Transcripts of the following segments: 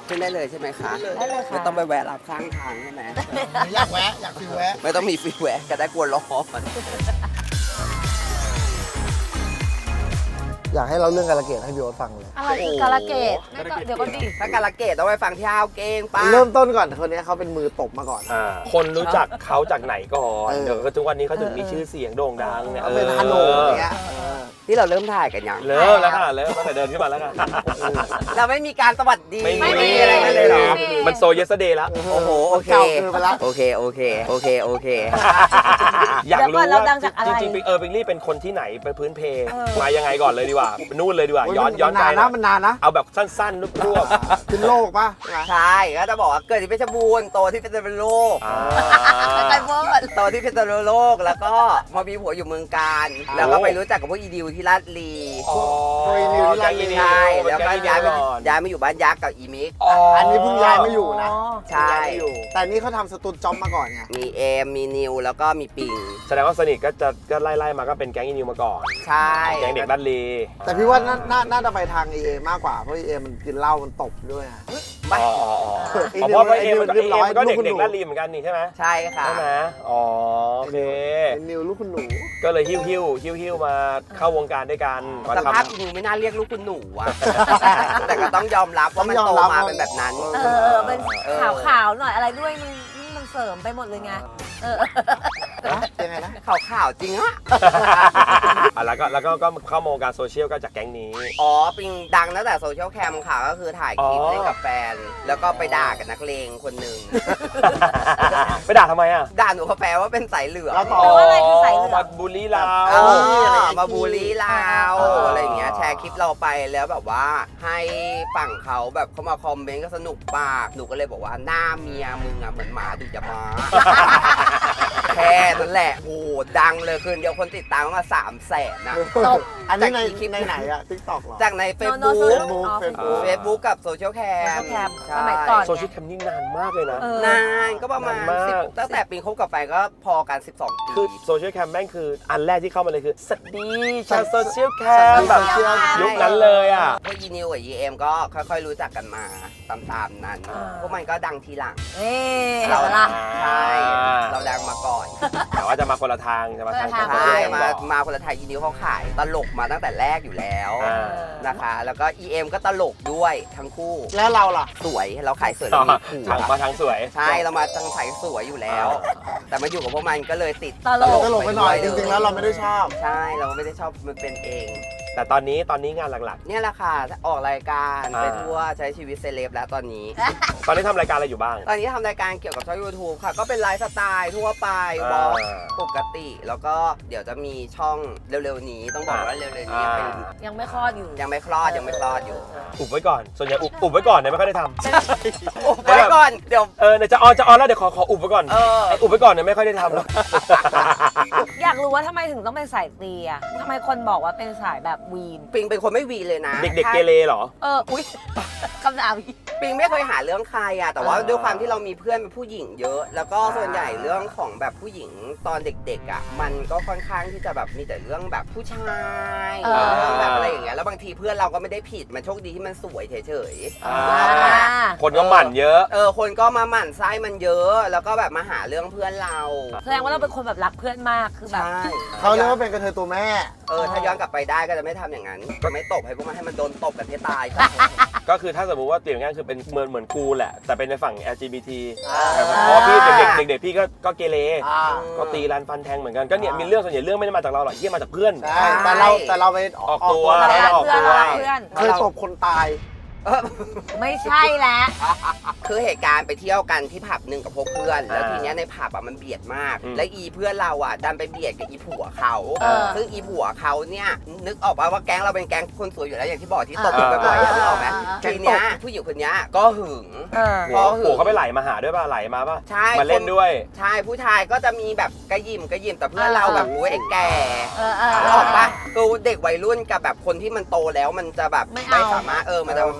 ขึ้นได้เลยใช่ไหมคะได้เลยค่ะไม่ต้องไปแวะรับข้างทางใช่ไหมอยากแวะอยากฟิวแวะไม่ต้องมีฟรีแวะก็ได้กลัวร้อนอยากให้เราเรื่องการะเกดให้พี่โอ๊ตฟังเลยอะไรคือกาลเกตเดี๋ยวก็ดิถ้าการะเกดต้องไปฟังที่ฮาวเก้งป้าเริ่มต้นก่อนคนนี้เขาเป็นมือตบมาก่อนคนรู้จักเขาจากไหนก่อนเออเดี๋ยวก็ทุกวันนี้เขาถึงมีชื่อเสียงโด่งดังเนี่ยเขาเป็นฮันโหนอย่างเงี้ยที่เราเริ่มถ่ายกันยังเริ่มแล้วค่ะเริ่มตั้งแต่เดินขึ้นมาแล้วค่ะเราไม่มีการสวัสดีไม่ไม่มีมีอะไรกันเลยเหรอมันโซเยสเดย์แล้วโอ้โหโอเคเก่าเกินไปละโอเคโอเคโอเคโอเคอยากรู้เดี๋ยวก่อนเราว่าดังจากอะไรจริงๆปิงลี่เป็นคนที่ไหนเป็นพื้นเพมายังไงก่อนเลยดีกว่านู่นเลยดีกว่าโอ้ย้อนมัไปนานนะมันนานนะเอาแบบสั้นๆรวบขึ้นโลกปะใช่ไหมใช่ก็จะบอกว่าเกิดที่เพชรบูรณ์โตที่เพชรโลกๆอ่าไปเวิร์ดโตที่เพชรโลกแล้วก็มามีผัวอยู่เมืองการแล้วก็ไปรู้จักกับพวกอีดิวที่ลาดลีอ๋อใช่แล้วก็ย้ายมาอยู่บ้านยักษ์กับอีมิกอันนี้เพิ่งย้ายมาอยู่นะใช่ย้ายมาอยู่แต่นี่เขาทำสตูดจ็อบมาก่อนไงมีเอมมีนิวแล้วก็มีปิงแสดงว่าสนิทก็ไล่มาก็เป็นแก๊งอีนิวมาก่อนใช่แก๊งเด็กดันลีแต่พี่ว่าน่าจะไปทาง EA มากกว่าเพราะ EA มันกินเหล้ามันตบด้วยอะอ๋อเพราะว่าเอมันก็เด็กดันลีเหมือนกันนี่ใช่ไหมใช่ค่ะใช่ไหมอ๋อโอเคเป็นนิวลูกคุณหนูก็เลยหิ้วมาเข้าวงการด้วยกันมาสทำภาพนิวไม่น่าเรียกลูกคุณหนูอะ แต่ก็ต้องยอมรับว่ามันโตมาเป็นแบบนั้นเป็นขาวๆหน่อยอะไรด้วยมันเสริมไปหมดเลยไงยังไงนะข่าวจริงอะแล้วก็เข้ามาวงการโซเชียลก็จากแก๊งนี้อ๋อปิงดังตั้งแต่โซเชียลแคมค่ะก็คือถ่ายคลิปเล่นกับแฟน แล้วก็ไปด่ากับนักเลงคนหนึ่งไปด่าทำไมอ่ะด่าหนูกับแฟนว่าเป็นสายเหลืองแล้วต่อแปลว่าอะไรคือสายเหลืองมาบูลลี่เรามาบูลลี่เราอ๋อออะไรอย่างเงี้ยแชร์คลิปเราไปแล้วแบบว่าให้ฝั่งเขาแบบเขามาคอมเมนต์ก็สนุกปากหนูก็เลยบอกว่าหน้าเมียมึงอะเหมือนหมาดุจะมา แค่นั้นแหละโอ้โหดังเลยคืนเดียวคนติดตามมา300,000นะตบอันนี้ในจากคลิปในไหนอะทิกตอกหรอจากในโน Facebook โน Facebook เฟซบุ๊กกับโซเชียลแคม Social Cam สมัยก่อนโซเชียลแคมนี่นานมากเลยนะนานก็ประมาณนานมาก 10ตั้งแต่ปีคบกับแฟนก็พอกัน12 ปีคือโซเชียลแคมแม่งคืออันแรกที่เข้ามาเลยคือสวัสดีชาวโซเชียลแคมแบบยุคนั้นเลยอ่ะพวกยีนิวกับยีเอ็มก็ค่อยๆรู้จักกันมาตามๆนั้น พวกมันก็ดังทีหลังเอ๊ะเราล่ะใช่เราดังมาก่อนแต่ว่าจะมาคนละทางจะมาทางคนละทางโซใช่เชียลแคมาคนละไทยยีนิวเขาขายตลกมาตั้งแต่แรกอยู่แล้วอ่านะคะ แล้วก็ EM ก็ตลกด้วยทั้งคู่แล้วเราล่ะสวยเราขายสวยเรามีผัวมาทางสวยใช่เรามาทางสายสวยอยู่แล้ว แต่มาอยู่กับพวกมันก็เลยติดตลกตลกไปหน่อยจริงๆแล้วเราไม่ได้ชอบใช่เราไม่ได้ชอบมันเป็นเองแต่ตอนนี้งานหลักเนี่ยแหละค่ะออกรายการอ่าไปทั่วใช้ชีวิตเซเลบแล้วตอนนี้ๆ ตอนนี้ทำรายการอะไรอยู่บ้างตอนนี้ทำรายการเกี่ยวกับช่อง YouTube ค่ะ ก็เป็นไลฟ์สไตล์ทั่วไปวอล์กปกติ แล้วก็เดี๋ยวจะมีช่องเร็วๆนี้ต้องบอกว่าเร็วๆนี้เป็นยังไม่คลอดอยู่ยังไม่คลอดยังไม่คลอดอยู่อุบไว้ก่อน ส่วนใหญ่อุบไว้ก่อนเนี่ยไม่ค่อยได้ทำโอ้ไว้ก่อนเดี๋ยวเนี่ยจะออนแล้วเดี๋ยวขออุบไว้ก่อน ไอ้อุบไว้ก่อนเนี่ยไม่ค่อยได้ทำหรอกอยากรู้ว่าทำไมถึงต้องเป็นสายตีอ่ะทำไมคนบอกว่าเป็นสายแบบวีนปิงเป็นคนไม่วีเลยนะเด็กๆเกเรเหรออุ๊ยคำถามอีกปิงไม่เคยหาเรื่องใครอะแต่ว่าอ่าด้วยความที่เรามีเพื่อนเป็นผู้หญิงเยอะ แล้วก็ส่วนใหญ่เรื่องของแบบผู้หญิงตอนเด็กๆอะมันก็ค่อนข้างที่จะแบบมีแต่เรื่องแบบผู้ชายเรื่องแบบอะไรอย่างเงี้ยแล้วบางทีเพื่อนเราก็ไม่ได้ผิดมันโชคดีที่มันสวยเฉยๆคนก็หมั่นเยอะคนก็มาหมั่นไส้มันเยอะ แล้วก็แบบมาหาเรื่องเพื่อนเราแสดงว่าเราเป็นคนแบบรักเพื่อนมากคือแบบใช่เขาเรียกว่าเป็นกระเทยตัวแม่ถ้าย้อนกลับไปได้ก็จะไม่ทำอย่างนั้นก็ไม่ตบให้พวกมันให้มันโดนตบกันให้ตายซะก็คือถ้าสมมติว่าเปลี่ยนง่ายคือเป็นเหมือนกูแหละ แต่เป็นในฝั่ง LGBT อ่าเพราะพี่เด็กๆพี่ก็เกเรอ่าก็ตีรันฟันแทงเหมือนกันก็เนี่ยมีเรื่องส่วนใหญ่เรื่องไม่ได้มาจากเราหรอกเยี่ยมาจากเพื่อนใช่แต่เราไปออกตัวรักไม่ได้ออกเพื่อนตัวรักเพื่อนเคยตบคนตายไม่ใช่แล้วคือเหตุการณ์ไปเที่ยวกันที่ผับหนึ่งกับพวกเพื่อน แล้วทีเนี้ยในผับมันเบียดมาก และอีเพื่อนเราดันไปเบียดกับอีผัวเขาซึ่งอีผัวเขาเนี่ยนึกออกป่ะว่าแก๊งเราเป็นแก๊งคนสวยอยู่แล้วอย่างที่บอกที่ตบกันบ่อยๆนึกออกไหมทีเนี้ยผู้หญิงคนนี้ก็หึงหัวเขาไปไหลมาหาด้วยป่ะไหลมาป่ะใช่มาเล่นด้วยใช่ผู้ชายก็จะมีแบบกระยิมแต่เพื่อนเราแบบโอ้ยไอ้แก่เออนึกออกป่ะคือเด็กวัยรุ่นกับแบบคนที่มันโตแล้วมันจะแบบไม่เอาสามารถมัน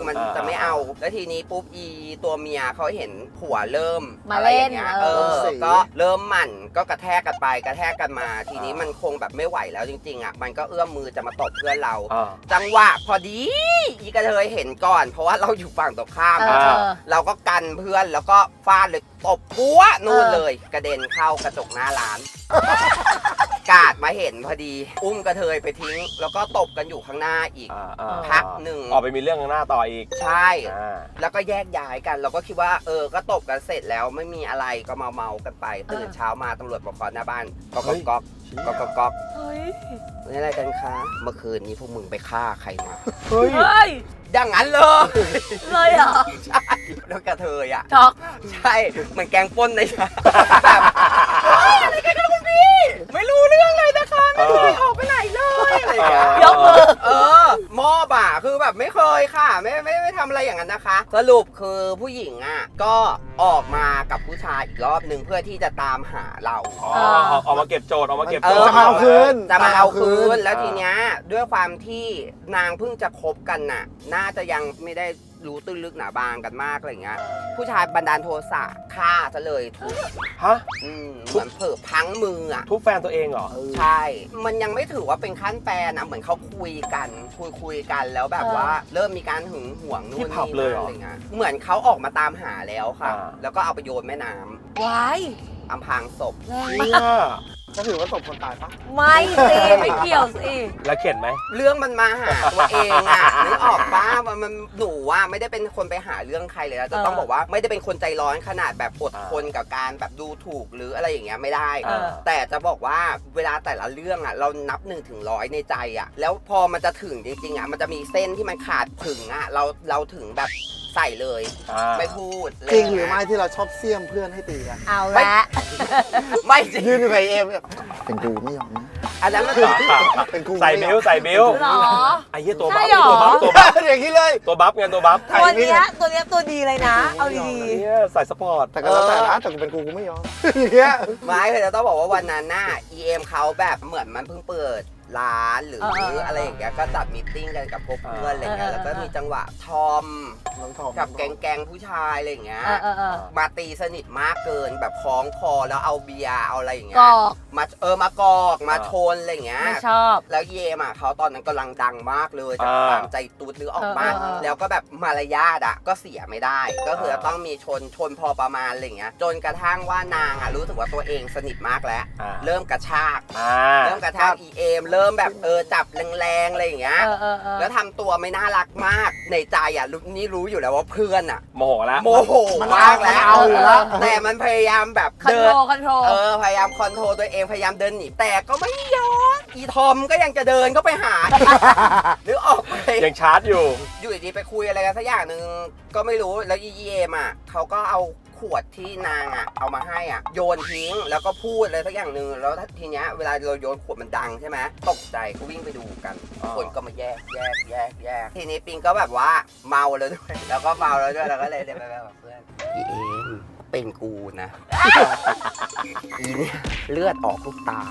มันจะไม่เอาแล้วทีนี้ปุ๊บอีตัวเมียเขาเห็นผัวเริ่มมาอะไรเล่อน ย่างเงี้ยก็เริ่มหมั่นก็กระแทกกันไปกระแทกกันมา ทีนี้มันคงแบบไม่ไหวแล้วจริงๆอ่ะมันก็เอื้อมมือจะมาตบเพื่อนเรา จังหวะพอดีอีกระเทยเห็นก่อน เพราะว่าเราอยู่ฝั่งตรงข้ามเราก็กันเพื่อนแล้วก็ฟาดเลยตบปัวนู่นเลยกระเด็นเข้ากระจกหน้าร้านกาดมาเห็นพอดีอุ้มกระเทยไปทิ้ง แล้วก็ตบกันอยู่ข้างหน้าอีกพักหนึ่งออกไปมีเรื่องข้างหน้าต่ออีกใช่แล้วก็แยกย้ายกันเราก็คิดว่าก็ตบกันเสร็จแล้วไม่มีอะไรก็เมากันไปตื่นเช้ามาตำรวจบอกขอหน้าบ้านก๊อกก๊อกก๊อกก๊อกนี่อะไรกันคะเมื่อคืนนี้พวกมึงไปฆ่าใครมาเฮ้ยอย่างนั้นเลยเลยเหรอใช่แล้วกระเทยอ่ะช็อกใช่เหมือนแกงป้นเลยแบบอะไรกันนะคุณพี่ไม่รู้เรื่องเลยนะคะไม่เคยออกไปไหนเลยอะไรอย่างเงี้ยยกมือมอบอ่ะคือแบบไม่เคยค่ะไม่ทำอะไรอย่างนั้นนะคะ สรุปคือผู้หญิงอ่ะก็ออกมากับผู้ชายอีกรอบหนึ่งเพื่อที่จะตามหาเราออกมาเก็บโจทย์ออกมาเก็บจะมาเอาคืนจะมาเอาคืนแล้วทีเนี้ยด้วยความที่นางเพิ่งจะคบกันน่ะน่าจะยังไม่ได้รู้ตื้นลึกหนาบางกันมากอะไรเงี้ยผู้ชายบันดาลโทสะฆ่าซะเลยทุบฮะเหมือนเผลอพังมืออ่ะทุบแฟนตัวเองเหรอใช่ มันยังไม่ถือว่าเป็นขั้นแฟนนะเหมือนเขาคุยกันแล้วแบบว่าเริ่มมีการหึงหวงนู่นที่นี่ผับเลยเหรออะไรเงี้ยเหมือนเขาออกมาตามหาแล้วค่ะ แล้วก็เอาไปโยนแม่น้ำว้ายอำพรางศพแรงเนี่มากยก็ถือว่าตบคนตายปะไม่สิไม่เกี่ยวสิแล้วเข็ดไหมเรื่องมันมาหาตัวเองอ่ะ นึกออกป้ามันหนูว่าไม่ได้เป็นคนไปหาเรื่องใครเลยนะจะต้องบอกว่าไม่ได้เป็นคนใจร้อนขนาดแบบอดทนกับการแบบดูถูกหรืออะไรอย่างเงี้ยไม่ได้ แต่จะบอกว่าเวลาแต่ละเรื่องอ่ะเรานับ1 ถึง 100ในใจอ่ะแล้วพอมันจะถึงจริงๆอ่ะมันจะมีเส้นที่มันขาดถึงอ่ะเราถึงแบบใส่เลยไม่พูดจริงหรือไม่ที่เราชอบเสี่ยมเพื่อนให้ตีกันเอาละไม่จริงยืนอยู่กับเอ็มเนี่ยเป็นกูไม่ยอมนะอันนั้นมันเป็นกูใส่บิ้วใส่บิ้วหรอไอ้เหี้ยตัวใช่บัฟหรอตัวบัฟอย่างนี้เลยตัวบัฟไงตัวบัฟตัวเนี้ยตัวดีเลยนะ เอาดีเนี่ยใส่สปอร์ตแต่ก็แล้วแต่นะแต่กูเป็นกูไม่ยอมอย่างเงี้ยไม่คือจะต้องบอกว่าวันนั้นน่ะ EM เขาแบบเหมือนมันเพิ่งเปิดร้านหรืออะไรอย่างเงี้ยก็จัดมีตติ้งกันกับพวกเพื่อนอะไรเงี้ยแล้วก็มีจังหวะทอมน้องทอมกับแก๊งผู้ชายอะไรอย่างเงี้ยๆมาตีสนิทมากเกินแบบคล้องคอแล้วเอาเบียร์เอาอะไรอย่างเงี้กยอกมากอกมาชนอะไรอย่างเงี้ยไม่ชอบแล้วเยมอ่ะเขาตอนนั้นกำลังดังมากเลยจากตามใจตูดหรือออกมาเออแล้วก็แบบมารยาทอ่ะก็เสียไม่ได้ ก็คือจะต้องมีชนพอประมาณอะไรอย่างเงี้ยจนกระทั่งว่านางอ่ะรู้สึกว่าตัวเองสนิทมากแล้ว เริ่มกระชากเริ่มกระชาก EM เริ่มแบบจับแรงๆอะไรอย่างเงี้ยแล้วทำตัวไม่น่ารักมากในใจอ่ะนี่รู้อยู่แล้วว่าเพื่อนอ่ะโมโหแล้วโมโหมากแล้วเอาอยู่แล้วแต่มันพยายามแบบคอนเดิโทนรคอนโทรพยายามคอนโทรลตัวเองพยายามเดินหนีแต่ก็ไม่ยอมอีทอมก็ยังจะเดินเข้าไปหา หรือออกไปยังชาร์จอยู่อยู่ดีๆไปคุยอะไรกันสักอย่างหนึ่งก็ไม่รู้แล้วEMอ่ะเขาก็เอาขวดที่นางอ่ะเอามาให้อ่ะโยนทิ้งแล้วก็พูดอะไรสักอย่างหนึ่งแล้วทีเนี้ยเวลาเราโยนขวดมันดังใช่ไหมตกใจก็วิ่งไปดูกันคนก็มาแยกทีนี้ปิงก็แบบว่าเมาแล้วด้วยแล้วก็เมาแล้วด้วยแล้วก็เลยเดินไปแบบเพื่อนEMเป็นกูนะอีเนี่ยเลือดออกทุกตา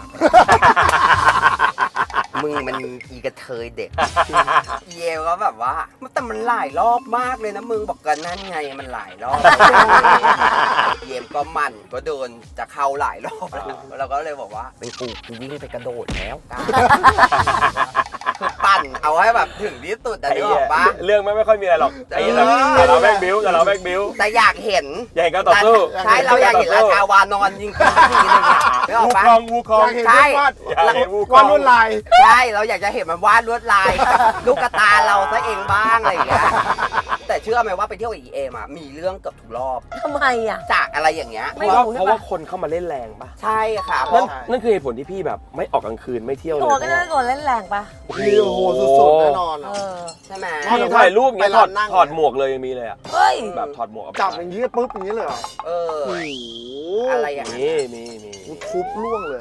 มึงมันอีกระเทยเด็ก เยวก็แบบว่าแต่มันหลายรอบมากเลยนะมึงบอกกันนั่นไงมันหลายรอบ เยมก็มันก็เดินจะเข้าหลายรอบแล้วก็เลยบอกว่าเป็นกูวิ่งไปกระโดดแล้วกันคือปั่นเอาให้แบบถึงที่สุดแต่นึกออกปะเรื่องไม่ค่อยมีอะไรหรอกไอ้แต่เราแบกบิ้วแต่อยากเห็นอยากเห็นการต่อสู้ใช่เราอยากเห็นราชาวานอนยิงกันทีนึงอะนึกออกปะวูคองอยากเห็นเพื่อนวาดอยากเห็นวูควาอดงลวดลายใช่เราอยากจะเห็นมันวาดลวดลาย ลูกกระตาเราซะเองบ้างอะไรอย่างเงี้ยแต่เชื่อไหมว่าไปเที่ยวกับEMอ่ะมีเรื่องเกือบทุกรอบทำไมอ่ะจากอะไรอย่างเงี้ยไม่เพราะว่าคนเข้ามาเล่นแรงป่ะใช่ค่ะเพนั่ราะนคือเหตุผลที่พี่แบบไม่ออกกลางคืนไม่เที่ยวเลยตัวก็น่าจะโดนเล่นแรงปะโอ้โหสุดๆแน่นอนเออใช่ไหมพี่ถ่ายรูปเงี้ยไปร้านนั่งถอดหมวกเลยยังมีเลยอ่ะเฮ้ยแบบถอดหมวกจับอย่างนี้ปุ๊บอย่างนี้เลยเหรอเออโอ้โหอะไรอย่างเงี้ยมีทุบล่วงเลย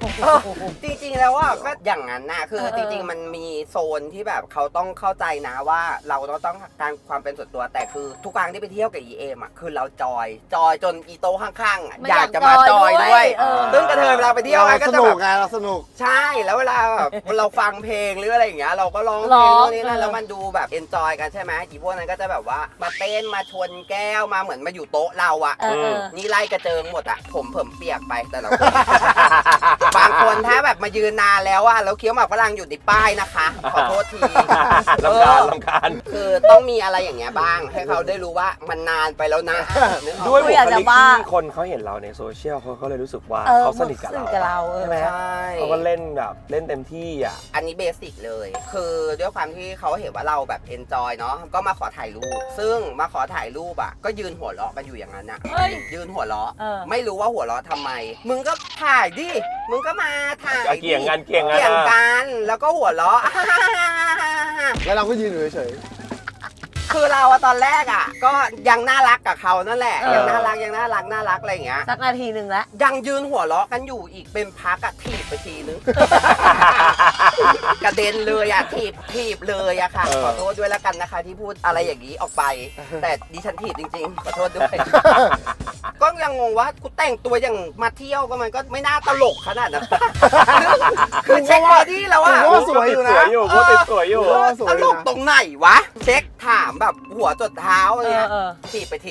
จริงๆแล้วอ่ะก็อย่างนั้นนะคือจริงๆมันมีโซนที่แบบเขาต้องเข้าใจนะว่าเราต้องการความเป็นส่วนตัวแต่คือทุกครั้งที่ไปเที่ยวกับEMอ่ะคือเราจอยจนอีโต้ข้างๆอ่ะอยากจะมาจอยด้วยซึ่งกระเทยเวลาไปเที่ยวก็สจะนุแบกบไงเราสนุกใช่แล้วเวลาแบบเราฟังเพลงหรืออะไรอย่างเงี้ยเราก็ร้องเพลงตรงนี้นั่นแล้วมันดูแบบเอนจอยกันใช่ไหมอีพวกนั้นก็จะแบบว่ามาเต้นมาชนแก้วมาเหมือนมาอยู่โต๊ะเราอ่ะนี่ไล่กระเจิงหมดอ่ะผมเปียกไปแต่ละคน บางคนถ้าแบบมายืนนานแล้วอะแล้วเคี้ยวหมากฝรั่งอยู่ในป้ายนะคะขอโทษทีรำคาญคือต้องมีอะไรอย่างเงี้ยบ้าง ให้เขาได้รู้ว่ามันนานไปแล้วนะนึกออกด้วยบุอคยากจะลิกว่าที่คนเขาเห็นเราในโซเชียลเขาก็เลยรู้สึกว่าเออเขาสนิทกับสนิทกับเราเราใช่ไหมใช่เขาก็เล่นแบบเล่นเต็มที่อ่ะอันนี้เบสิกเลย คือด้วยความที่เขาเห็นว่าเราแบบเอนจอยเนาะก็มาขอถ่ายรูปซึ่งมาขอถ่ายรูปอะก็ยืนหัวเราะกันอยู่อย่างนั้นอะเฮ้ยยืนหัวเราะเออไม่รู้ว่าหัวเราะทำไม มึงก็ถ่ายดิมึงก็มาถ่ายดิเกี่ยงกันเกี่ยงกันแล้วก็หัวเราะแล้วเราก็ยืนอยู่เฉยคือเราอะตอนแรกอะก็ยังน่ารักกับเขานั่นแหละเออยังน่ารักอะไรอย่างเงี้ยสักนาทีหนึ่งแล้วยังยืนหัวเราะกันอยู่อีกเป็นพักอะถีบไปทีนึง กระเด็นเลยอะถีบเลยอะค่ะ ขอโทษด้วยแล้วกันนะคะ ที่พูดอะไรอย่างนี้ออกไป แต่ดิฉันถีบจริงๆขอโทษด้วย ก็ยังงงว่ากูแต่งตัวอย่างมาเที่ยวก็มันก็ไม่น่าตลกขนาดนั้น คือเช็คบอดี้แล้วๆอะผมว่าสวยอยู่นะพูดติดสวยอยู่สวยตลกตรงไหนวะ เช็คถามแบบหัวจดเท้าเนี่ยเออถีบไปที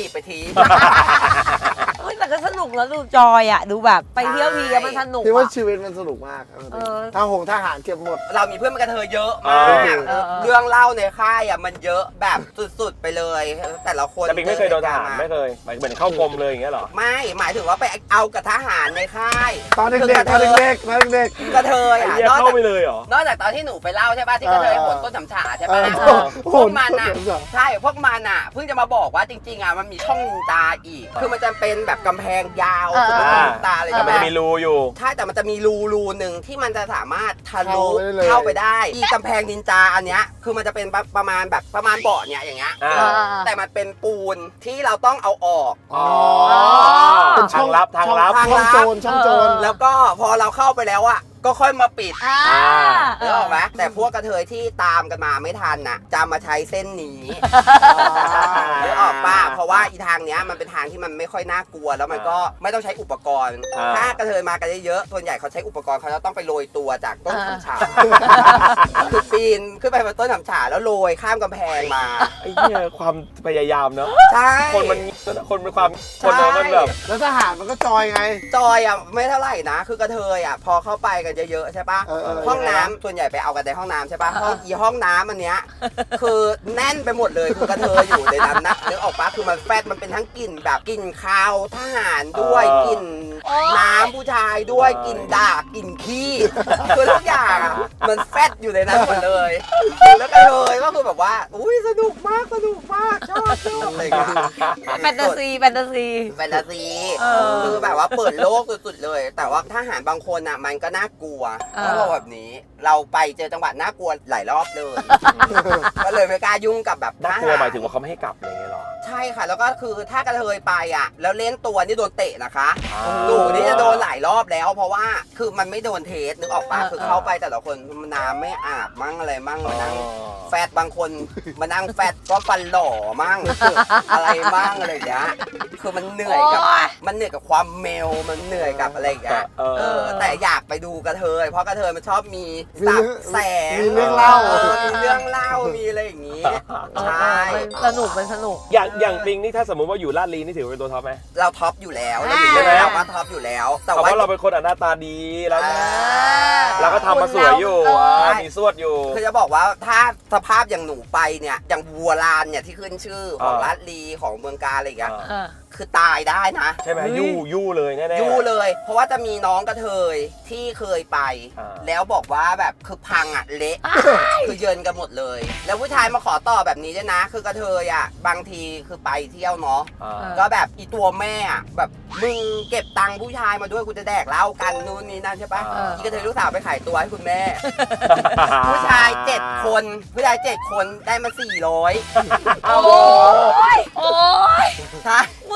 เฮ้ยแต่ก็สนุกแล้วดูจอยอ่ะ ดูแบบไปเที่ยวทีแล้วมันสนุกพี่ว่าอ่ะชีวิตมันสนุกมากเออทหารเก็บหมดเรามีเพื่อนเป็นกระเทยเยอะมากเออเรื่องเล่าในค่ายอ่ะมันเยอะแบบสุดๆไปเลย แต่ละคนแต่ปิงไม่เคยโดนทหารไม่เคยหมายถึงเข้ากรมเลยอย่างเงี้ยเหรอไม่หมายถึงว่าไปเอากับทหารในค่ายตอนเด็กๆตอนเด็กๆกระเทยไอ้อ่ะเหี้ยนอกเข้าจากไปเลยเหรอนอกจากตอนที่หนูไปเล่าใช่ป่ะที่กระเทยโหนต้นฉำฉาใช่ป่ะ พวกมันอ่ะใช่พวกมันอ่ะเพิ่งจะมาบอกว่าจริงๆอ่ะมันมีช่องนินจาอีก คือมันจะเป็นแบบกำแพงยาวสุดลูกตาเลยแต่ใช่ไหมันมจะมีรูอยู่ใช่แต่มันจะมีรูหนึ่งที่มันจะสามารถทะลุเข้าไปได้เลยเข้าไปได้อีกำแพงนินจาอันเนี้ยคือมันจะเป็นประมาณเบาะเนี่ยอย่างเงี้ยอ่าแต่มันเป็นปูนที่เราต้องเอาออกอ๋อเป็นช่ทาองงลับทางช่องโจรช่องโจรแล้วก็พอเราเข้าไปแล้วอ่ะก็ค่อยมาปิดอ่านึกออกไหมแต่พวกกระเทยที่ตามกันมาไม่ทันน่ะจะมาใช้เส้นนี้นึกออกป่ะเพราะว่าอีทางเนี้ยมันเป็นทางที่มันไม่ค่อยน่ากลัวแล้วมันก็ไม่ต้องใช้อุปกรณ์ ถ้ากระเทยมากันเยอะๆส่วนใหญ่เขาใช้อุปกรณ์เขาจะต้องไปโรยตัวจากต้นฉำฉาคือปีนขึ้นไปบนต้นฉำฉาแล้วโรยข้ามกำแพงมาไอ้เหี้ยความพยายามเนอะใช่คนเป็นความคนมันแบบแล้วทหารมันก็จอยไงจอยอ่ะไม่เท่าไหร่นะ คือกระเทยอ่ะพอเข้าไปกันเยอะๆใช่ปะเออห้องน้ำส่วนใหญ่ไปเอากันในห้องน้ำใช่ปะห้องน้ำอันเนี้ยคือแน่นไปหมดเลยคือกระเทยอยู่ในนั้นนะนึกออกปะคือมันแฟดมันเป็นทั้งกลิ่นแบบกลิ่นคาวทหารด้วยกลิ่นน้ำผู้ชายด้วยกลิ่นด่ากลิ่นขี้คือทุกอย่างอ่ะมันแฟดอยู่ในนั้นหมดเลย แล้วกระเทยก็คือแบบว่าอุ้ยสนุกมากชอบอะไรอย่างเงี้ยแฟนตาซีแฟนตาซีเออคือแบบว่าเปิดโลกสุดๆเลย แต่ว่าทหารบางคนอ่ะมันก็น่ากลัวเออต้องบอกแบบนี้ เราไปเจอจังหวัดน่ากลัวหลายรอบเลย ก็เลยไม่กล้ายุ่งกับแบบทน่าหารกลัวหมายถึงว่าเขาไม่ให้กลับอะไรอย่างเงี้ยเหรอใช่ค่ะ แล้วก็คือถ้ากระเทยไปอ่ะ แล้วเล่นตัวนี่โดนเตะนะคะอ่าหนูนี่จะโดนหลายรอบแล้ว เพราะว่าคือมันไม่โดนเทสนึกออกปะคือเข้าไปแต่ละคนน้ำไม่อาบมั่งอะไรมั่งมานั่ง แฟดบางคนมานั่งแฟดก็ฟันหล่อมั่ง อะไรมั่งอะไรอย่างเงี้ยคือมันเหนื่อยกับโอ๊ยความเมลมันเหนื่อยกับอะไรอย่างเงี้ยแต่อยากไปดูกระเทยเพราะกระเทยมันชอบมีสับแสงมีเรื่องเล่ามีเรื่องเล่ามีอะไรอย่างงี้ใช่มันสนุกอย่างปิงนี่ถ้าสมมติว่าอยู่ลาดลีนี่ถือว่าเป็นตัวท็อปไหมเราท็อปอยู่แล้วเราอ่าอยู่แล้วว่าท็อปอยู่แล้ว แต่เพราะว่าว่าเราเป็นคนหน้าตาดีแล้วอ่าเราก็ทำมาสวยอยู่เออมีสวดอยู่คือจะบอกว่าถ้าสภาพอย่างหนูไปเนี่ยอย่างวัวลานเนี่ยที่ขึ้นชื่อของลาดลีของเมืองกาญอะไรอย่างเงี้ยเออคือตายได้นะใช่ไหมเฮ้ยยู่เลยแน่ๆยู่เลย เพราะว่าจะมีน้องกระเทยที่เคยไปอ่าแล้วบอกว่าแบบคือพังอ่ะเละคือเยินกันหมดเลย แล้วผู้ชายมาขอต่อแบบนี้ด้วยนะ คือกระเทยอ่ะบางทีคือไปเที่ยวเนาะอ่าก็แบบอีตัวแม่อ่ะแบบมึงเก็บตังค์ผู้ชายมาด้วยกูจะแดกเหล้ากันนู่นนี่นั่นใช่ปะอ่าอีกระเทยลูกสาวไปขายตัวให้คุณแม่ ผู้ชาย7 คนผู้ชาย7 คนได้มา400 โอ้ยใช่มึง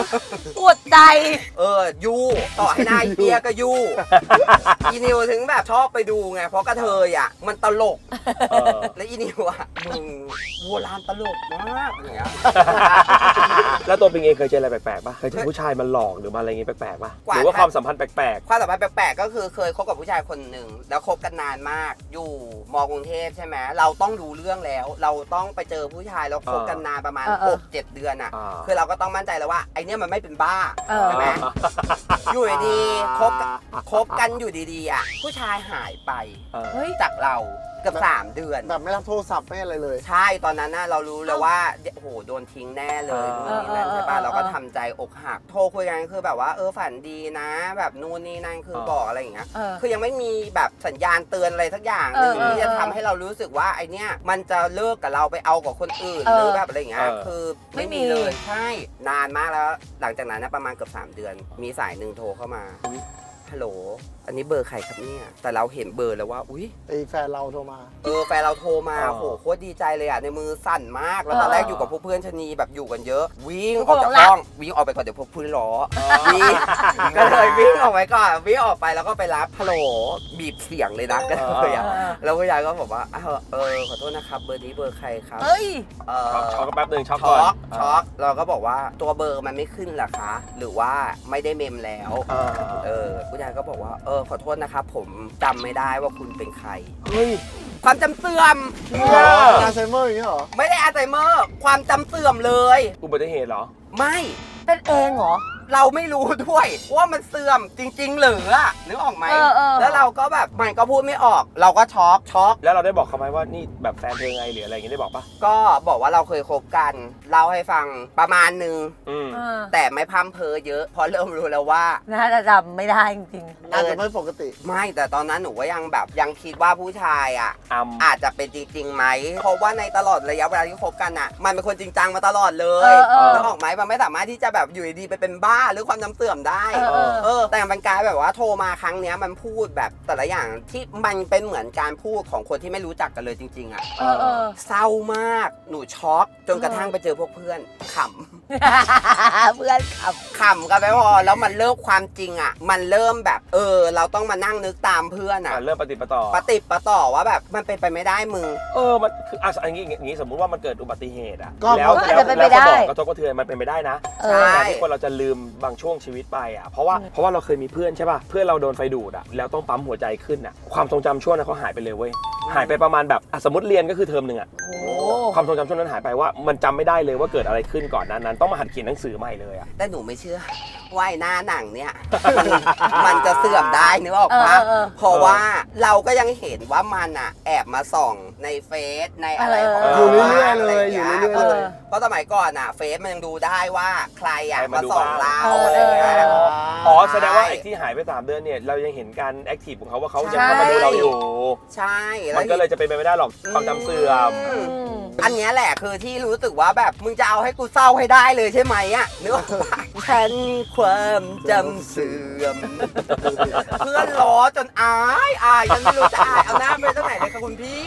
ปวดใจยู่ต่อให้หน้าเหี้ยก็ยู่อีนิวถึงแบบชอบไปดูไงเพราะกระเทยอ่ะมันตลก แล้วอีนิวอ่ะมึงโบราณตลกมากอย่างเงี้ยแล้วตัวปิงเองเคยเจออะไรแปลกๆป่ะเคยเจอผู้ชายมาหลอกหรือมาอะไรอย่างงี้แปลกๆป่ะหรือว่าความสัมพันธ์แปลกความสัมพันธ์แปลกๆก็คือเคยคบกับผู้ชายคนหนึ่งแล้วคบกันนานมากอยู่มกรุงเทพใช่ไหมเราต้องดูเรื่องแล้ว เราต้องไปเจอผู้ชายแล้วคบกันนานประมาณ 6-7 เดือนอ่ะคือเราก็ต้องมั่นใจแล้วว่าไอเนี้ยมันไม่เป็นบ้าใช่ไหมอยู่ดีๆคบกันอยู่ดีๆอ่ะผู้ชายหายไปเฮ้ยจากเราเกือบ3 เดือนแบบไม่รับโทรศัพท์ไม่อะไรเลยใช่ตอนนั้นน่ะเรารู้แล้วว่าโอ้โหโดนทิ้งแน่เลยนู่นนี่นั่นใช่ป่ะเราก็ทำใจอกหักโทรคุยกันคือแบบว่าฝันดีนะ แบบนู่นนี่นั่นคือบอกอะไรอย่างเงี้ยคือยังไม่มีแบบสัญญาณเตือนอะไรสักอย่างหนึ่งที่จะทำให้เรารู้สึกว่าไอเนี้ยมันจะเลิกกับเราไปเอากับคนอื่นหรือแบบอะไรอย่างเงี้ยคือไม่มีเลยใช่นานมากแล้วหลังจากนั้นนะประมาณเกือบ3 เดือนมีสายหนึ่งโทรเข้ามาฮัลโหลอันนี้เบอร์ใครครับเนี่ยแต่เราเห็นเบอร์แล้วว่าอุ้ยไอ้แฟนเราโทรมาแฟนเราโทรมาโหโคตรดีใจเลยอ่ะในมือสั่นมากแล้วตอนแรกอยู่กับพวกเพื่อนชะนีแบบอยู่กันเยอะวิ่งออกจากห้องวิ่งออกไปก่อนเดี๋ยวพวกเพื่อนล้อวิ่งก็เลยวิ่งออกไปก่อนวิ่งออกไปแล้วก็ไปรับฮัลโหลบีบเสียงเลยนะก็เลยอ่ะแล้วผู้ชายก็บอกว่าขอโทษนะครับเบอร์นี้เบอร์ใครครับช็อกแป๊บนึงช็อกเราก็บอกว่าตัวเบอร์มันไม่ขึ้นหรอคะหรือว่าไม่ได้เมมแล้วผู้ชายก็บอกว่าขอโทษนะครับผมจำไม่ได้ว่าคุณเป็นใครเฮ้ยความจำเสื่อมอัลไซเมอร์อย่างนี้เหรอไม่ได้อัลไซเมอร์ความจำเสื่อมเลยอุบัติเหตุเหรอไม่เป็นเองเหรอเราไม่รู้ด้วยว่ามันเสื่อมจริงๆหรือนึกออกไหมแล้วเราก็แบบมันก็พูดไม่ออกเราก็ช็อกแล้วเราได้บอกเขาไหมว่านี่แบบแฟนเธอไงหรืออะไรอย่างงี้ได้บอกปะก็บอกว่าเราเคยคบกันเล่าให้ฟังประมาณนึงแต่ไม่พร่ำเพ้อเยอะเพราะเริ่มรู้แล้วว่าน่าจะจำไม่ได้จริงๆอาจจะไม่ปกติไม่แต่ตอนนั้นหนูก็ยังคิดว่าผู้ชายอาจจะเป็นจริงๆไหมเพราะว่าในตลอดระยะเวลาที่คบกันมันเป็นคนจริงจังมาตลอดเลยนึกออกไหมมันไม่สามารถที่จะแบบอยู่ดีๆไปเป็นบ้าหรือความจำเสื่อมได้แต่มันกลายแบบว่าโทรมาครั้งเนี้ยมันพูดแบบแต่ละอย่างที่มันเป็นเหมือนการพูดของคนที่ไม่รู้จักกันเลยจริงๆเศร้ามากหนูช็อกจนกระทั่งไปเจอพวกเพื่อนขำเพื่อนขำกันไปพอแล้วมันเริ่มความจริงมันเริ่มแบบเราต้องมานั่งนึกตามเพื่อนเริ่มปฏิปต่อว่าแบบมันเป็นไปไม่ได้มึงมันคืออย่างนี้สมมุติว่ามันเกิดอุบัติเหตุแล้วสมองกระทบกระเทือนมันเป็นไปได้นะการที่คนเราจะลืมบางช่วงชีวิตไปเพราะว่าเราเคยมีเพื่อนใช่ป่ะเพื่อนเราโดนไฟดูดแล้วต้องปั๊มหัวใจขึ้นความทรงจำช่วงนั้นเขาหายไปเลยเว้ยหายไปประมาณแบบสมมติเรียนก็คือเทอมนึงความทรงจำช่วงนั้นหายไปว่ามันจำไม่ได้เลยว่าเกิดอะไรขึ้นก่อนนั้นต้องมาหัดเขียนหนังสือใหม่เลยแต่หนูไม่เชื่อว่าหน้าหนังเนี่ยมันจะเสื่อมได้นึกออกปะเพราะว่าเราก็ยังเห็นว่ามันแอบมาส่องในเฟซในอะไรของอยู่เรื่อยๆเลยอยู่เรื่อยๆเลยเพราะสมัยก่อนเฟซมันยังดูได้ว่าใครมาส่องเราอะไรอย่างเงี้ยแสดงว่าไอ้ที่หายไป3 เดือนเนี่ยเรายังเห็นการแอคทีฟของเขาว่าเขายังเข้ามาดูเราอยู่ใช่มันก็เลยจะเป็นไปไม่ได้หรอกความจำเสื่อมอันนี้แหละคือที่รู้สึกว่าแบบมึงจะเอาให้กูเศร้าให้ได้เลยใช่ไหมนึกออกปะฉันความจำเสื่อมเพื่อนล้อจนอายฉันไม่รู้จะอายเอาหน้าไปตั้งไหนเลยค่ะคุณพี่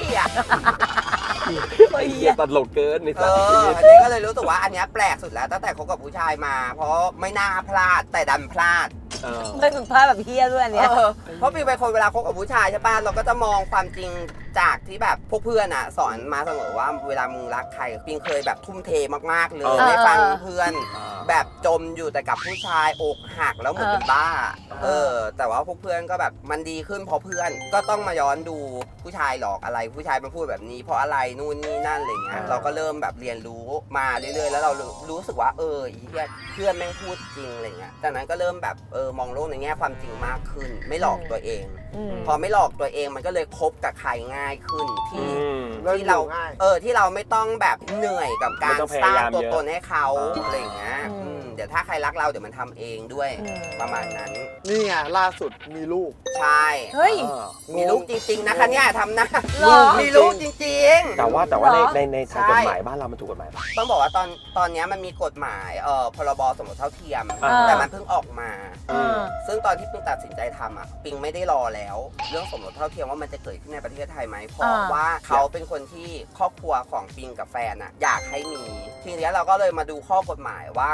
ตัดหลกเกินนี่อันนี้ก็เลยรู้สึกว่าอันนี้แปลกสุดแล้วตั้งแต่คบกับผู้ชายมาเพราะไม่น่าพลาดแต่ดันพลาดไม่ถึงพลาดแบบเฮี้ยด้วยอันเนี้ยเพราะพี่เป็นคนเวลาคบกับผู้ชายใช่ป่ะเราก็จะมองความจริงจากที่แบบพวกเพื่อนสอนมาเสมอว่าเวลามึงรักใครปิงเคยแบบทุ่มเทมากๆเลยไม่ฟังเพื่อนแบบจมอยู่แต่กับผู้ชายอกหักแล้วเหมือนเป็นบ้าแต่ว่าพวกเพื่อนก็แบบมันดีขึ้นเพราะเพื่อนก็ต้องมาย้อนดูผู้ชายหลอกอะไรผู้ชายมาพูดแบบนี้เพราะอะไรนู่นนี่นั่นอะไรเงี้ยเราก็เริ่มแบบเรียนรู้มาเรื่อยๆแล้วเรารู้สึกว่าเพื่อนแม่งพูดจริงอะไรเงี้ยจากนั้นก็เริ่มแบบมองโลกในแง่ความจริงมากขึ้นไม่หลอกตัวเองพอไม่หลอกตัวเองมันก็เลยคบกับใครง่ายขึ้นที่เราที่เราไม่ต้องแบบเหนื่อยกับการสร้างตัวตนให้เขาอะไรอย่างเงี้ยเดี๋ยวถ้าใครรักเราเดี๋ยวมันทำเองด้วยประมาณนั้นนี่ไงล่าสุดมีลูกใช่มีลูกจริงๆนะคะเนี่ยทำนะมีลูกจริงๆแต่ว่าในทางกฎหมายบ้านเรามันถูกกฎหมายปะต้องบอกว่าตอนนี้มันมีกฎหมายพรบสมรสเท่าเทียมแต่มันเพิ่งออกมาซึ่งตอนที่ปิงตัดสินใจทำปิงไม่ได้รอแล้วเรื่องสมรสเท่าเทียมว่ามันจะเกิดขึ้นในประเทศไทยไหมเพราะว่าเขาเป็นคนที่ครอบครัวของปิงกับแฟนอยากให้มีทีนี้เราก็เลยมาดูข้อกฎหมายว่าข้อกฎหมาย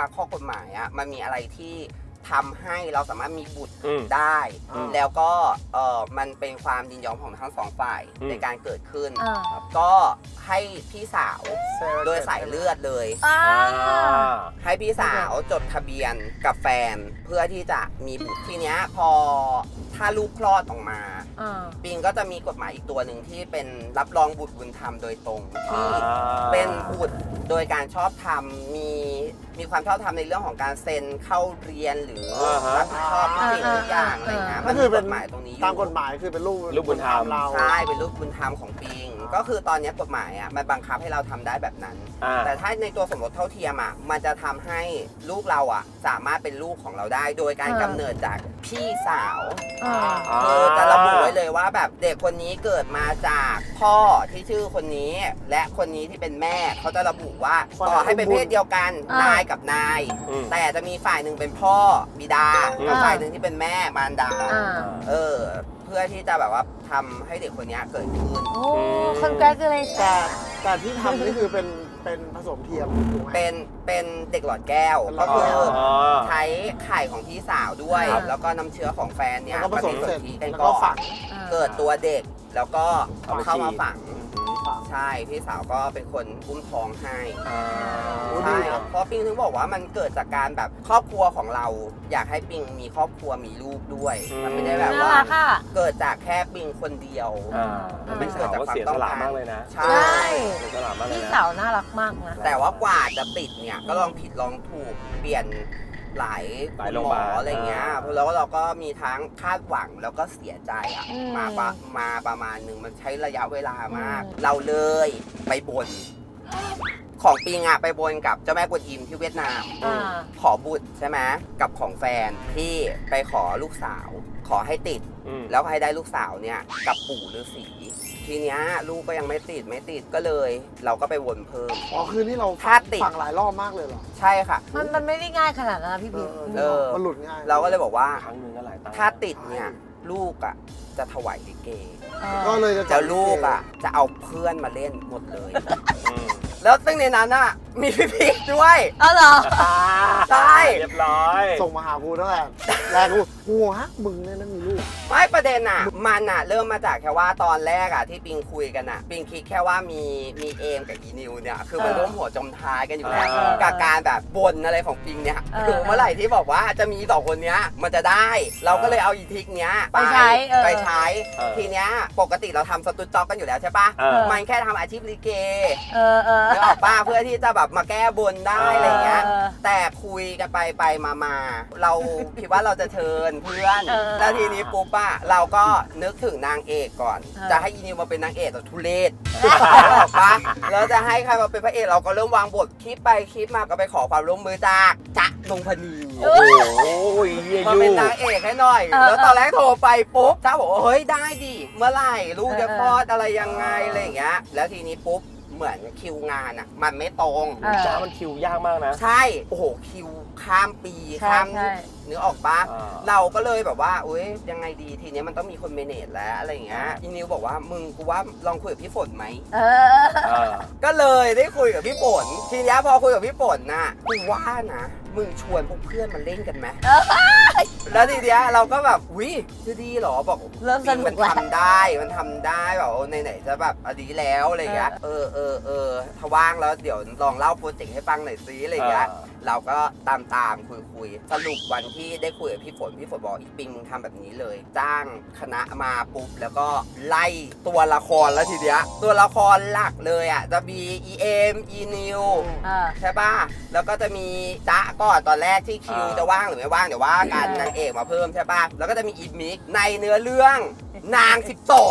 หมายอ่ะมันมีอะไรที่ทำให้เราสามารถมีบุตรอืมได้อืมแล้วก็มันเป็นความยินยอมของทั้งสองฝ่ายอืมในการเกิดขึ้นอ่าก็ให้พี่สาวโดยสายเลือดเลยอ่าให้พี่สาวจดทะเบียนกับแฟนเพื่อที่จะมีบุตรทีเนี้ยพอถ้าลูกคลอดออกมาอ่าปิงก็จะมีกฎหมายอีกตัวหนึ่งที่เป็นรับรองบุตรบุญธรรมโดยตรงที่เป็นบุตรโดยการชอบธรรมมีความชอบธรรมในเรื่องของการเซ็นเข้าเรียนหรือรับผิดชอบทุกสิ่งทุกอย่างอะไรเงี้ยก็คือเป็นกฎหมายตรงนี้อยู่ตามกฎหมายคือเป็นลูกบุญธรรมเราใช่เป็นลูกบุญธรรมของปิงก็คือตอนนี้กฎหมายอ่ะมันบังคับให้เราทำได้แบบนั้นอ่าแต่ถ้าในตัวสมรสเท่าเทียมอ่ะมันจะทำให้ลูกเราอ่ะสามารถเป็นลูกของเราได้ โดยการกำเนิดจากพี่สาวอ่าคือจะระบุไว้เลยว่าแบบเด็กคนนี้เกิดมาจากพ่อที่ชื่อคนนี้ และคนนี้ที่เป็นแม่เขาจะระบุว่าต่อให้เป็นเพศเดียวกันอ่านนายกับนายอืมแต่จะมีฝ่ายหนึ่งเป็นพ่อบิดากับฝ่ายหนึ่งที่เป็นแม่มารดาอ่าเพื่อที่จะแบบว่าทำให้เด็กคนนี้เกิดขึ้นโอ้ congratulations แต่ที่ทำนี่คือเป็นผสมเทียมถูกไหมเป็นเด็กหลอดแก้วเป็นหลก็อดคืแก้อวใช้ไข่ของพี่สาวด้วยครับแล้วก็น้ำเชื้อของแฟนเนี่ยแล้วก็ผสมเสร็จกันแล้วก่ก็อนฝังเกิดตัวเด็กแล้วก็เอาไปเข้ามาฉีดฝัง ใช่พี่สาวก็เป็นคนอุ้มท้องให้อ่าโอ้ดีใช่นะเพราะปิงถึงบอกว่ามันเกิดจากการแบบครอบครัวของเรา อยากให้ปิงมีครอบครัวมีลูกด้วย มันไม่ได้แบบน่าว่ารักอ่ะเกิดจากแค่ปิงคนเดียวอ่าพี่สาวก็เสียสละมากเลยนะใช่ใช่เสียสละมากเลยพี่นะสาวน่ารักมากนะแต่ว่ากว่าจะติดเนี่ยก็ลองผิดลองถูกเปลี่ยนหลายหลายหโรงมพยาบาอลอะไรเงี้ยอ่าแล้วเราก็มีทั้งคาดหวังแล้วก็เสียใจอ่ะอืมมาประมาณหนึ่งมันใช้ระยะเวลามากอืมเราเลยไปบน ของปิงอ่ะไปบนกับเจ้าแม่กวนอิมที่เวียดนามอ่าขอบุตรใช่ไหมกับของแฟนที่ไปขอลูกสาว ขอให้ติดอืมแล้วก็ให้ได้ลูกสาวเนี่ยกับปู่ฤาษีทีเนี้ยลูกก็ยังไม่ติดก็เลย เราก็ไปวนเพิ่มอ๋อคือนี่เราถ้าติดฝังหลายรอบมากเลยเหรอใช่ค่ะมันไม่ได้ง่ายขนาดนั้นนะพี่เอพีมันหลุดง่ายเราก็เลยบอกว่าครั้งหนึ่งก็หลายตังค์ถ้าติดเนี่ยลูกอ่ะจะถวายลิเกก็เลยจะจัแล้บวลูกอ่ะจะเอาเพื่อนมาเล่นหมดเลยอืมแล้วซึ่งในนั้นอ่ะมีพี่พีคด้วยเอาเหรอใช่เรียบร้อยส่งมาหากูตั้งแต่แรกกูฮะมึงเนี่ยนั่นมีลูกไม่ประเด็นอ่ะมันอ่ะเริ่มมาจากแค่ว่าตอนแรกอ่ะที่ปิงคุยกันอ่ะปิงคิดแค่ว่ามีเอมกับอีนิวเนี่ยคือมันร่วมหัวจมท้ายกันอยู่แล้ว กับการแบบบนอะไรของปิงเนี่ยคือเมื่อไหร่ที่บอกว่าจะมีสองคนเนี้ยมันจะได้ เราก็เลยเอาอีทิกเนี้ยไปใช้ไปใช้ทีเนี้ยปกติเราทำสตูดิโอกันอยู่แล้วใช่ปะเออมันแค่ทำอาชีพลิเกเออนึกออกปะเพื่อที่จะแบบมาแก้บนได้อะไรเงี้ยเออแต่คุยกันไปมาเราคิดว่าเราจะเชิญเพื่อนเออแล้วทีนี้ปุ๊บอะเราก็นึกถึงนางเอกก่อนเออจะให้อีนิวมาเป็นนางเอกแต่ทุเรศออกปะแล้วจะให้ใครมาเป็นพระเอกเราก็เริ่มวางบทคิดไปคิดมาก็ไปขอความร่วมมือจากจ๊ะนงพนีโอ้โหเยี่ยมายูเป็นนางเอกให้หน่อย แล้วตอนแรกโทรไปปุ๊บจ้าบอกว่าเฮ้ยได้ดิเมื่อไหร่ลูกจะคลอดอะไรยังไงอะไรอย่างเงี้ยแล้วทีนี้ปุ๊บเหมือนคิวงานอะมันไม่ตรงจ้ามันคิวยากมากนะใช่โอ้โหคิวข้ามปีใช่ข้ามใช่นึกออกปะอ่าเราก็เลยแบบว่าอุ้ยยังไงดีทีเนี้ยมันต้องมีคนเมเนจแล้วอะไรอย่างเงี้ยอีนิวบอกว่ามึงกูว่าลองคุยกับพี่ฝนไหมเออเออก็เลยได้คุยกับพี่ฝนทีเนี้ยพอคุยกับพี่ฝนน่ะกูว่านะมึงชวนพวกเพื่อนมาเล่นกันไหมแล้วทีเนี้ยเราก็แบบวิจะดีเหรอบอกเริ่มสนุมักนแล้วทำได้แบบไหนๆจะแบบอดีแล้วอะไรอย่างเงี้ยเออถ้าว่างแล้วเดี๋ยวลองเล่าโปรเจกต์ให้ฟังหน่อยซิอะไรอย่างเงี้ย เราก็ตามคุยสรุปวันที่ได้คุยกับพี่ฝนบอกอีปิงมึงทำแบบนี้เลย จ้างคณะมาปุ๊บแล้วก็ไล่ตัวละครแล้วทีเดียวตัวละครหลักเลยอ่ะจะมีอีเอ็มอีนิว ใช่ป่ะแล้วก็จะมีจ๊ะก่อนตอนแรกที่คิวจะว่างหรือไม่ว่างเดี๋ยวว่ากันนางเอกมาเพิ่มใช่ป่ะแล้วก็จะมีอีมิกในเนื้อเรื่องนาง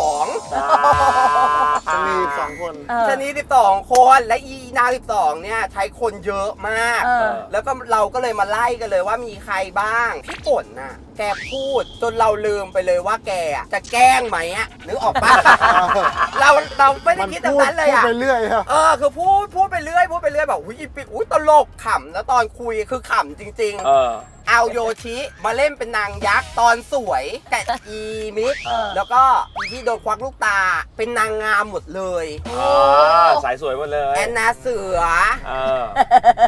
12 จะมี2 คนชนี12 คนและอีนาง12เนี่ยใช้คนเยอะมากเออแล้วก็เราก็เลยมาไล่กันเลยว่ามีใครบ้าง พี่ฝนน่ะ แกพูดจนเราลืมไปเลยว่าแกอะจะแกล้งไหมอะนึกออกปะ เราไม่ได้มันคิดแบบพูดนั้นเลยอะไปเรื่อยอะคือพูดไปเรื่อยแบบอุ้ยอีปิกอุ้ยตลกขำแล้วตอนคุยคือขำจริงเออเอาโยชิมาเล่นเป็นนางยักษ์ตอนสวยกับอีมิกเออแล้วก็อีที่โดนควักลูกตาเป็นนางงามหมดเลยสายสวยหมดเลยแอนนาเสือเออน้ำตาล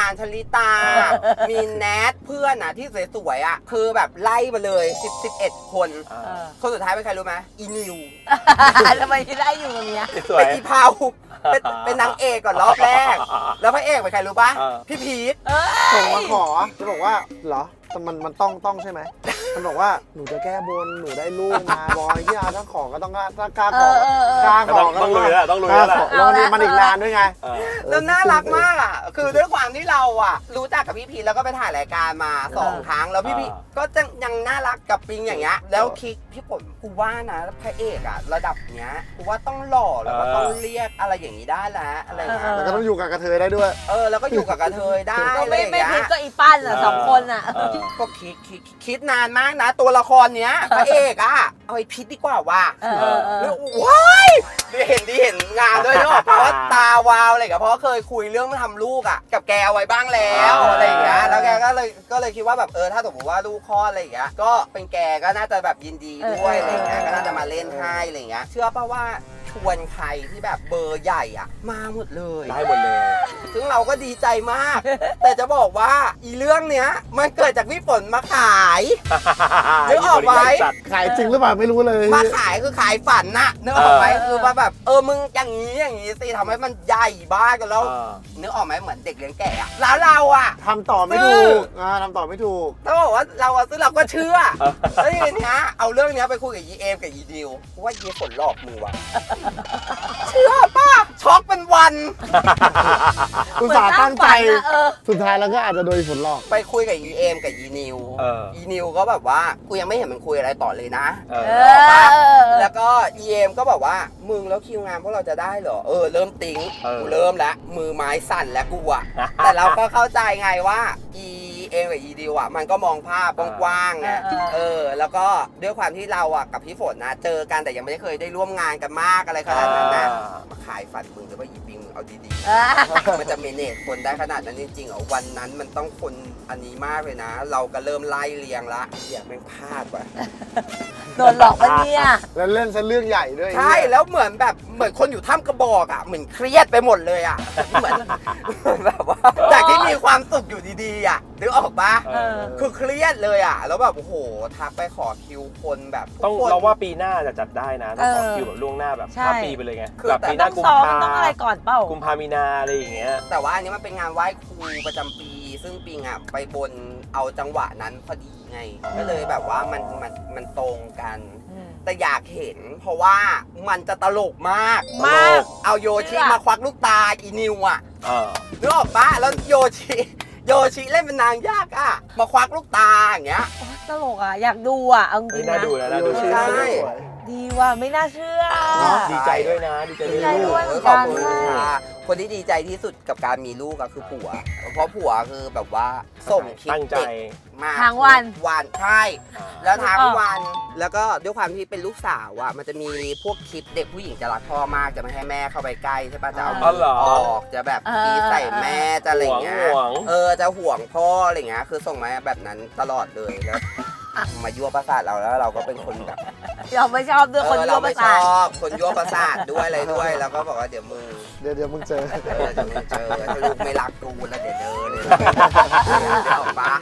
การชลิตา มีแนทเพื่อนอ่ะที่สวยๆอ่ะคือแบบไล่มาเลย11 คน คนสุดท้ายเป็นใครรู้ไหมอีนิวทำไมที่ได้อยู่ตรงเนี้ยสวยเป็นอีพาวเป็นนางเอกก่อนรอบแรก แล้วพระเอกเป็นใครรู้ปะพี่พีทส่งมาขอจะบอกว่าเหรอแต่มันต้องใช่ไหมมันบอกว่าหนูจะแก้บนหนูได้ลูกมาบอยที่ถ้าขอก็ต้องถ้ากล้าขอกล้าขอก็ต้องลุยแล้วต้องลุยกล้าแล้วขอแล้วมันอีกนานด้วยไงแล้วน่ารักมากอ่ะ คือด้วยความที่เราอ่ะ รู้จักกับพี่พีทแล้วก็ไปถ่ายรายการมา2 ครั้ง แล้วพี่พีทก็ยังน่ารักกับปิงอย่างเงี้ย แล้วคิดพี่ฝนกูว่านะพระเอกอ่ะระดับเนี้ยกูว่าต้องหล่อแล้วก็ต้องเรียกอะไรอย่างนี้ได้แล้วอะไรเงี้ยแล้วก็ต้องอยู่กับกระเทยได้ด้วยแล้วก็อยู่กับกระเทยได้ก็อะไรไม่อย่างไม่เงี้ยพิดก็อีปั้นอ่ะ2 คนอ่ะก็คิดนานมากนะ ตัวละครเนี้ยพระเอกอ่ะเอาไอ้พิษดีกว่าว่ะ แล้วว้ายดีเห็นงานด้วยเนาะเพราะว่าตาวาวอะไรกับเพราะว่าเคยคุยเรื่องมาทำลูกอ่ะกับแกเอาไว้บ้างแล้วอะไรอย่างเงี้ยแล้วแกก็เลยคิดว่าแบบถ้าสมมติว่าลูกคลอดอะไรอย่างเงี้ยก็เป็นแกก็น่าจะแบบยินดีด้วยอะไรอย่างเงี้ยก็น่าจะมาเล่นให้อะไรอย่างเงี้ยเชื่อป่ะว่าชวนใครที่แบบเบอร์ใหญ่อ่ะมาหมดเลยได้หมดเลยซึ่งเราก็ดีใจมาก แต่จะบอกว่าอีเรื่องเนี้ยมันเกิดจากพี่ฝนมาขายนึกออกไหมขายจริงหรือเปล่าไม่รู้เลยมาขายคือขายฝันน่ะนึกออกไหมคือว่าแบบมึงอย่างนี้สิทำให้มันใหญ่บ้ากันแล้วนึกออกไหมเหมือนเด็กเลี้ยงแกะอะแล้วเราอะทำต่อไม่ถูกทำต่อไม่ถูกต้องบอกว่าเราอะซึ่งเราก็เชื่อแล้วทีเนี้ยเอาเรื่องเนี้ยไปคุยกับยีเอมกับยีดิวว่ายีฝนหลอกมือว่ะเชื่อป่ะช็อกเป็นวันอุตส่าห์ตั้งใจเหมือนตั้งฝันอะสุดท้ายแล้วก็อาจจะโดนฝนหลอกไปคุยกับยีเอมกับยีนิวยีนิวก็แบบว่ากูยังไม่เห็นมันคุยอะไรต่อเลยนะ แล้วก็ EM ก็บอกว่ามึงแล้วคิวงานพวกเราจะได้เหรอเริ่มติ้งกูเริ่มแล้วมือไม้สั่นแล้วกูอะแต่เราก็เข้าใจไงว่า EM กับ ED อะมันก็มองภาพกว้างๆไงแล้วก็ด้วยความที่เราอะกับพี่ฝนนะเจอกันแต่ยังไม่ได้เคยได้ร่วมงานกันมากอะไรขนาดนั้นนะมาขายฝันมึงหรือว่าอีปิงมึงเอาดีๆมันจะเมเนจคนได้ขนาดนั้นจริงๆเหรอวันนั้นมันต้องคนอันนี้มากเลยนะ เราก็เริ่มไล่เรียงละอย่าแม่งพลาดว่ะโดนหลอกปะเนี่ยแล้วเล่นซะเรื่องใหญ่ด้วยใช่แล้วเหมือนคนอยู่ถ้ำกระบอกอ่ะเหมือนเครียดไปหมดเลยอ่ะเหมือนแบบว่าจากที่มีความสุขอยู่ดีๆอ่ะนึกออกปะคือเครียดเลยอ่ะแล้วแบบโอ้โหทักไปขอคิวคนแบบต้องเราว่าปีหน้าจะจัดได้นะต้องขอคิวแบบล่วงหน้าแบบข้ามปีไปเลยไงแบบปีหต้น้าองกุมซ้อมภาต้องอะไรก่อนเปล่ากุมภามีนาอะไรอย่างเงี้ยแต่ว่าอันนี้มันเป็นงานไหว้ครูประจำปี ซึ่งปิงอ่ะไปบนเอาจังหวะนั้นพอดีไงก็เลยแบบว่ามันตรงกันแต่อยากเห็นเพราะว่ามันจะตลกมากเอาโยชิมาควักลูกตาอีนิวอ่ะนึกออกปะแล้วโยชิเล่นเป็นนางยากอ่ะมาควักลูกตาอย่างเงี้ยตลกอ่ะอยากดูอ่ะเอาจริงน่านะดูนะน่าดูใช่ดีว่ะไม่น่าเชื่อดีใจด้วยนะดีใจดีใจด้ด้ววย ยขอบคุณค่ะคนที่ดีใจที่สุดกับการมีลูกก็คือผัว เพราะผัวคือแบบว่าส่งคลิปตั้งใจเด็กมาทั้งวันใช่แล้วทั้งวัน แล้วก็ด้วยความที่เป็นลูกสาวอ่ะมันจะมีพวกคลิปเด็กผู้หญิงจะรักพ่อมากจะไม่ให้แม่เข้าไปใกล้ใช่ปะจะเอามือออกจะแบบกีใส่แม่จะอะไรเงี้ยจะห่วงพ่ออะไรเงี้ยคือส่งมาแบบนั้นตลอดเลยแล้วมายั่วประสาทเราแล้วเราก็เป็นคนแบบเราไม่ชอบด้วยคนยั่วประสาทเราไม่ชอบคนยั่วประสาทด้วยอะไรด้วย แล้วก็บอกว่าเดี๋ยวมึงเดี๋ยวมึงเจอเดี๋ยวมึงเจอถ้าลูกไม่รักกูแล้วเดี๋ยวเจอเลยเดี๋ยวออกปะ